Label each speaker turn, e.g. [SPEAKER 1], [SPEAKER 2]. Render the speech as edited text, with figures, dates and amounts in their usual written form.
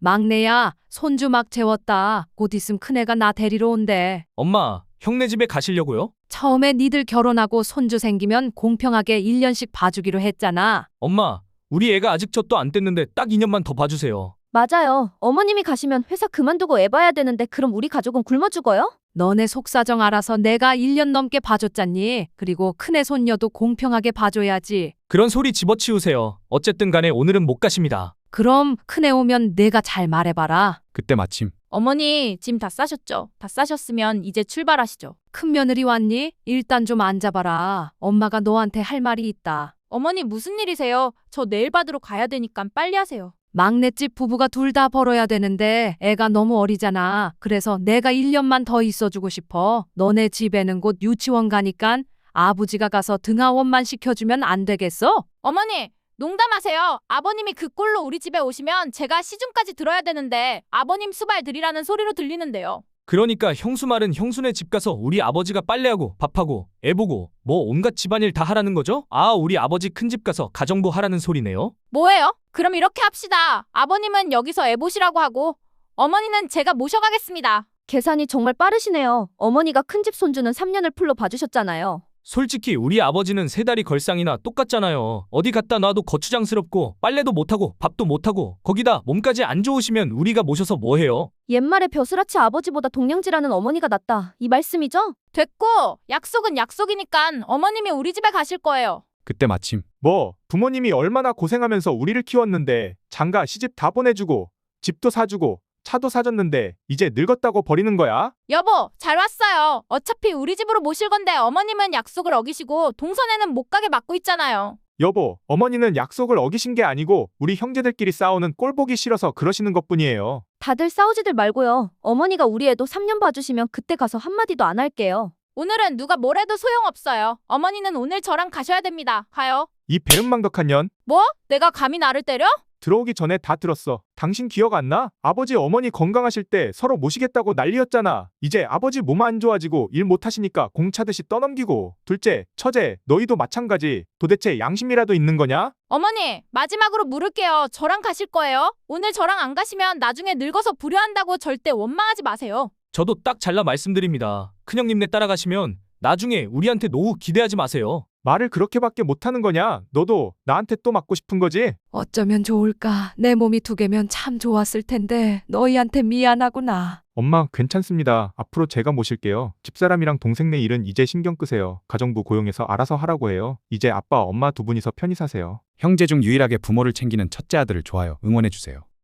[SPEAKER 1] 막내야, 손주 막 재웠다. 곧 있으면 큰애가 나 데리러 온대.
[SPEAKER 2] 엄마, 형네 집에 가시려고요?
[SPEAKER 1] 처음에 니들 결혼하고 손주 생기면 공평하게 1년씩 봐주기로 했잖아.
[SPEAKER 2] 엄마, 우리 애가 아직 젖도 안 뗐는데 딱 2년만 더 봐주세요.
[SPEAKER 3] 맞아요. 어머님이 가시면 회사 그만두고 애 봐야 되는데 그럼 우리 가족은 굶어 죽어요?
[SPEAKER 1] 너네 속사정 알아서 내가 1년 넘게 봐줬잖니. 그리고 큰애 손녀도 공평하게 봐줘야지.
[SPEAKER 2] 그런 소리 집어치우세요. 어쨌든 간에 오늘은 못 가십니다.
[SPEAKER 1] 그럼 큰애 오면 내가 잘 말해봐라.
[SPEAKER 4] 그때 마침
[SPEAKER 5] 어머니, 짐 다 싸셨죠? 다 싸셨으면 이제 출발하시죠.
[SPEAKER 1] 큰 며느리 왔니? 일단 좀 앉아봐라. 엄마가 너한테 할 말이 있다.
[SPEAKER 5] 어머니 무슨 일이세요? 저 내일 받으러 가야 되니까 빨리 하세요.
[SPEAKER 1] 막내집 부부가 둘 다 벌어야 되는데 애가 너무 어리잖아. 그래서 내가 1년만 더 있어주고 싶어. 너네 집에는 곧 유치원 가니깐 아버지가 가서 등하원만 시켜주면 안 되겠어?
[SPEAKER 5] 어머니, 농담하세요. 아버님이 그 꼴로 우리 집에 오시면 제가 시중까지 들어야 되는데 아버님 수발 들이라는 소리로 들리는데요.
[SPEAKER 2] 그러니까 형수 말은 형수네 집 가서 우리 아버지가 빨래하고 밥하고 애 보고 뭐 온갖 집안일 다 하라는 거죠? 아, 우리 아버지 큰 집 가서 가정부 하라는 소리네요?
[SPEAKER 5] 뭐예요? 그럼 이렇게 합시다. 아버님은 여기서 애 보시라고 하고 어머니는 제가 모셔가겠습니다.
[SPEAKER 3] 계산이 정말 빠르시네요. 어머니가 큰집 손주는 3년을 풀로 봐주셨잖아요.
[SPEAKER 2] 솔직히 우리 아버지는 3다리 걸상이나 똑같잖아요. 어디 갖다 놔도 거추장스럽고 빨래도 못하고 밥도 못하고 거기다 몸까지 안 좋으시면 우리가 모셔서 뭐해요?
[SPEAKER 3] 옛말에 벼슬아치 아버지보다 동냥지라는 어머니가 낫다. 이 말씀이죠?
[SPEAKER 5] 됐고, 약속은 약속이니까 어머님이 우리 집에 가실 거예요.
[SPEAKER 4] 그때 마침
[SPEAKER 6] 뭐 부모님이 얼마나 고생하면서 우리를 키웠는데 장가 시집 다 보내주고 집도 사주고 차도 사줬는데 이제 늙었다고 버리는 거야?
[SPEAKER 5] 여보, 잘 왔어요. 어차피 우리 집으로 모실 건데 어머님은 약속을 어기시고 동선에는 못 가게 막고 있잖아요.
[SPEAKER 6] 여보, 어머니는 약속을 어기신 게 아니고 우리 형제들끼리 싸우는 꼴 보기 싫어서 그러시는 것뿐이에요.
[SPEAKER 3] 다들 싸우지들 말고요. 어머니가 우리 애도 3년 봐주시면 그때 가서 한마디도 안 할게요.
[SPEAKER 5] 오늘은 누가 뭐래도 소용없어요. 어머니는 오늘 저랑 가셔야 됩니다. 가요.
[SPEAKER 6] 이 배은망덕한 년,
[SPEAKER 5] 뭐? 내가 감히 나를 때려?
[SPEAKER 6] 들어오기 전에 다 들었어. 당신 기억 안 나? 아버지 어머니 건강하실 때 서로 모시겠다고 난리였잖아. 이제 아버지 몸 안 좋아지고 일 못하시니까 공차듯이 떠넘기고. 둘째, 처제, 너희도 마찬가지. 도대체 양심이라도 있는 거냐?
[SPEAKER 5] 어머니, 마지막으로 물을게요. 저랑 가실 거예요? 오늘 저랑 안 가시면 나중에 늙어서 불효한다고 절대 원망하지 마세요.
[SPEAKER 2] 저도 딱 잘라 말씀드립니다. 큰형님네 따라가시면 나중에 우리한테 노후 기대하지 마세요.
[SPEAKER 6] 말을 그렇게밖에 못하는 거냐? 너도 나한테 또 맞고 싶은 거지?
[SPEAKER 1] 어쩌면 좋을까? 내 몸이 2개면 참 좋았을 텐데 너희한테 미안하구나.
[SPEAKER 6] 엄마, 괜찮습니다. 앞으로 제가 모실게요. 집사람이랑 동생네 일은 이제 신경 끄세요. 가정부 고용해서 알아서 하라고 해요. 이제 아빠, 엄마 두 분이서 편히 사세요.
[SPEAKER 4] 형제 중 유일하게 부모를 챙기는 첫째 아들을 좋아요. 응원해주세요.